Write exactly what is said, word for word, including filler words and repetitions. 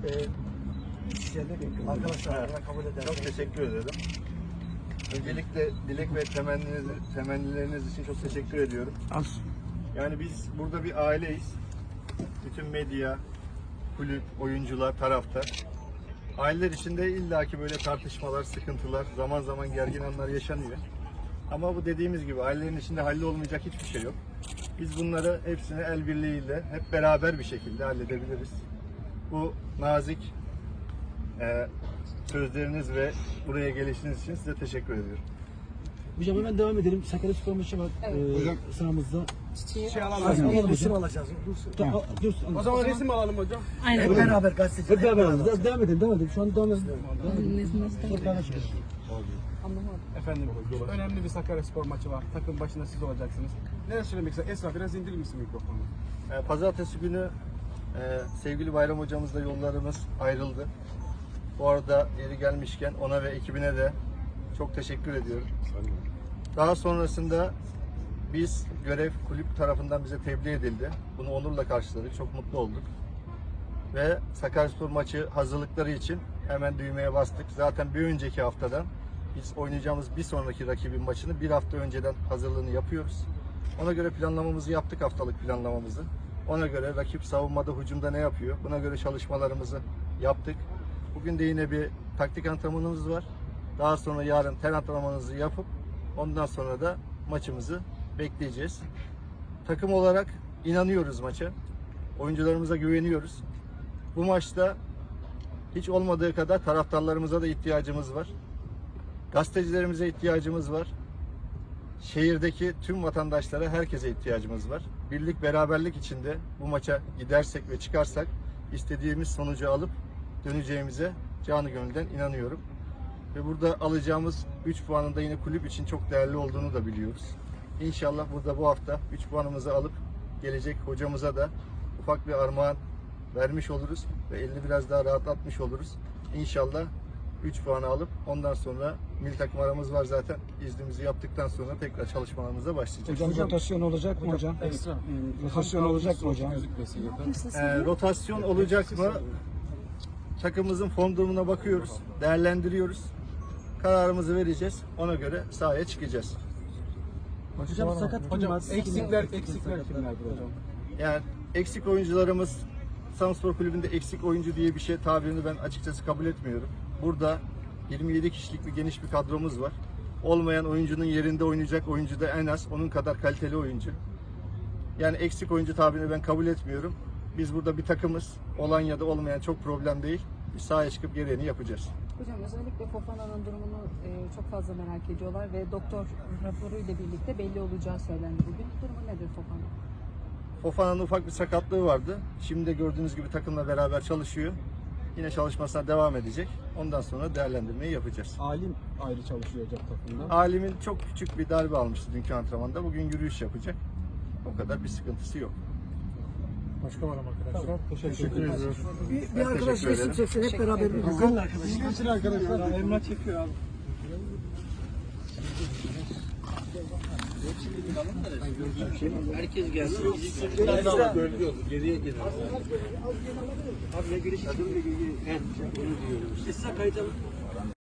Ee, Arkadaşlar kabul ederim. Çok teşekkür ederim. Öncelikle dilek ve temenniniz, temennileriniz için çok teşekkür ediyorum. Az. Yani biz burada bir aileyiz. Bütün medya, kulüp, oyuncular, taraftar. Aileler içinde illaki böyle tartışmalar, sıkıntılar, zaman zaman gergin anlar yaşanıyor. Ama bu dediğimiz gibi ailelerin içinde hallolmayacak hiçbir şey yok. Biz bunları hepsini el birliğiyle, hep beraber bir şekilde halledebiliriz. Bu nazik e, sözleriniz ve buraya gelişiniz için size teşekkür ediyorum. Hocam hemen devam edelim. Sakaryaspor maçı var Evet. ee, Hocam. sahamızda. Şey alalım. Resim alacağız. Ta- a- dur, O zaman resim alalım hocam. Aynen. Hep beraber gazeteci. Hep beraber alalım. Devam, devam edelim, devam edelim. Şu an devam edelim. Çok daha açık. Efendim, önemli bir Sakaryaspor maçı var. Takım başında siz olacaksınız. Neler söylemek ister? Esra biraz indirir misin mikrofonu? E, Pazartesi günü e, sevgili Bayram hocamızla yollarımız ayrıldı. Bu arada yeri gelmişken ona ve ekibine de çok teşekkür ediyorum. Daha sonrasında biz görev kulüp tarafından bize tebliğ edildi. Bunu onurla karşıladık. Çok mutlu olduk. Ve Sakaryaspor maçı hazırlıkları için hemen düğmeye bastık. Zaten bir önceki haftadan biz oynayacağımız bir sonraki rakibin maçını bir hafta önceden hazırlığını yapıyoruz. Ona göre planlamamızı yaptık, haftalık planlamamızı. Ona göre rakip savunmada, hücumda ne yapıyor? Buna göre çalışmalarımızı yaptık. Bugün de yine bir taktik antrenmanımız var. Daha sonra yarın ten antrenmanımızı yapıp ondan sonra da maçımızı bekleyeceğiz. Takım olarak inanıyoruz maça. Oyuncularımıza güveniyoruz. Bu maçta hiç olmadığı kadar taraftarlarımıza da ihtiyacımız var. Gazetecilerimize ihtiyacımız var. Şehirdeki tüm vatandaşlara, herkese ihtiyacımız var. Birlik, beraberlik içinde bu maça gidersek ve çıkarsak istediğimiz sonucu alıp döneceğimize canı gönülden inanıyorum. Ve burada alacağımız üç puanın da yine kulüp için çok değerli olduğunu da biliyoruz. İnşallah burada bu hafta üç puanımızı alıp gelecek hocamıza da ufak bir armağan vermiş oluruz ve elini biraz daha rahatlatmış oluruz. İnşallah üç puanı alıp ondan sonra milli takım aramız var zaten. İznimizi yaptıktan sonra tekrar çalışmalarımıza başlayacağız. Hocam, rotasyon olacak mı hocam? Esra. Hmm, Rotasyon olacak mı hocam? Ee, rotasyon olacak mı? Takımımızın form durumuna bakıyoruz, değerlendiriyoruz. Kararımızı vereceğiz. Ona göre sahaya çıkacağız. Hocam sakat kim Hocam var? eksikler, eksikler kimlerdir hocam? Yani eksik oyuncularımız, Samspor Kulübü'nde eksik oyuncu diye bir şey tabirini ben açıkçası kabul etmiyorum. Burada yirmi yedi kişilik bir geniş bir kadromuz var. Olmayan oyuncunun yerinde oynayacak oyuncu da en az onun kadar kaliteli oyuncu. Yani eksik oyuncu tabirini ben kabul etmiyorum. Biz burada bir takımız. Olan ya da olmayan çok problem değil. Biz sahaya çıkıp gereğini yapacağız. Hocam özellikle Fofana'nın durumunu e, çok fazla merak ediyorlar ve doktor raporuyla birlikte belli olacağı söylendi bugün. Durumu nedir Fofana? Fofana'nın ufak bir sakatlığı vardı. Şimdi de gördüğünüz gibi takımla beraber çalışıyor. Yine çalışmasına devam edecek. Ondan sonra değerlendirmeyi yapacağız. Alim ayrı çalışıyor hocam takımda. Alim'in çok küçük bir darbe almıştı dünkü antrenmanda. Bugün yürüyüş yapacak. O kadar bir sıkıntısı yok. Başka var ama arkadaşlar. Teşekkür ediyorum. Bir, bir arkadaş resim çeksin hep beraber. Güzel arkadaşlar. Geçin arkadaşlar. Emrah çekiyor abi. Herkes gelsin. Geriye gelin. Abi ne giriş? Esra kayıt alın.